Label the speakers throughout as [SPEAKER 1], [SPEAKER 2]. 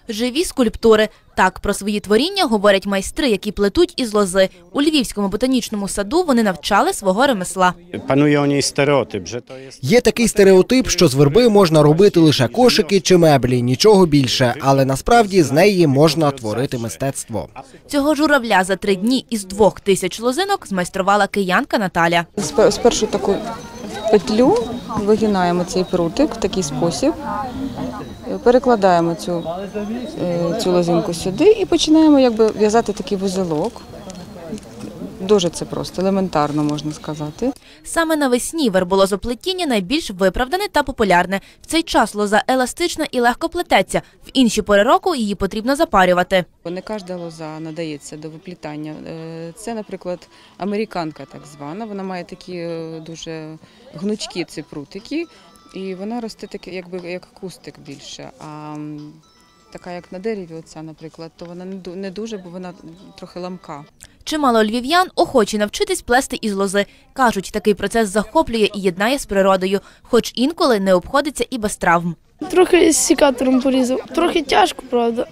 [SPEAKER 1] Живі скульптури. Так про свої творіння говорять майстри, які плетуть із лози. У Львівському ботанічному саду вони навчали свого ремесла.
[SPEAKER 2] Панує у ній стереотип.
[SPEAKER 3] Є такий стереотип, що з верби можна робити лише кошики чи меблі, нічого більше. Але насправді з неї можна творити мистецтво.
[SPEAKER 1] Цього журавля за 3 дні із 2000 лозинок змайструвала киянка Наталя.
[SPEAKER 4] Спершу таку петлю вигинаємо цей прутик в такий спосіб, перекладаємо цю лозинку сюди і починаємо в'язати такий вузелок. Дуже це просто, елементарно можна сказати.
[SPEAKER 1] Саме навесні верболозоплетіння найбільш виправдане та популярне. В цей час лоза еластична і легко плететься. В інші пори року її потрібно запарювати.
[SPEAKER 4] Не кожна лоза надається до виплітання. Це, наприклад, американка так звана. Вона має такі дуже гнучкі ці прутики. І вона росте як кустик більше. А така, як на дереві, оця, наприклад, то вона не дуже, бо вона трохи ламка.
[SPEAKER 1] Чимало львів'ян охочі навчитись плести із лози. Кажуть, такий процес захоплює і єднає з природою, хоч інколи не обходиться і без травм.
[SPEAKER 5] Трохи з секатором порізав. Трохи тяжко, правда,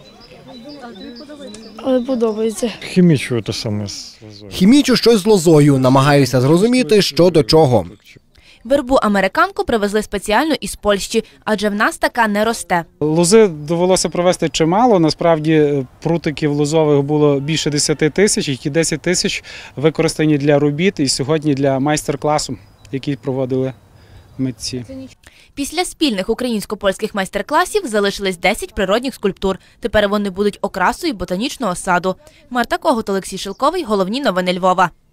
[SPEAKER 5] але подобається.
[SPEAKER 6] Хімічую те саме з лозою.
[SPEAKER 3] Хімічу щось з лозою, намагаюся зрозуміти, що до чого.
[SPEAKER 1] Вербу американку привезли спеціально із Польщі, адже в нас така не росте.
[SPEAKER 7] Лози довелося провести чимало. Насправді прутиків лозових було більше 10 тисяч, які 10 тисяч використані для робіт і сьогодні для майстер-класу, який проводили митці.
[SPEAKER 1] Після спільних українсько-польських майстер-класів залишились 10 природних скульптур. Тепер вони будуть окрасою ботанічного саду. Марта Когут, Олексій Шилковий. Головні новини Львова.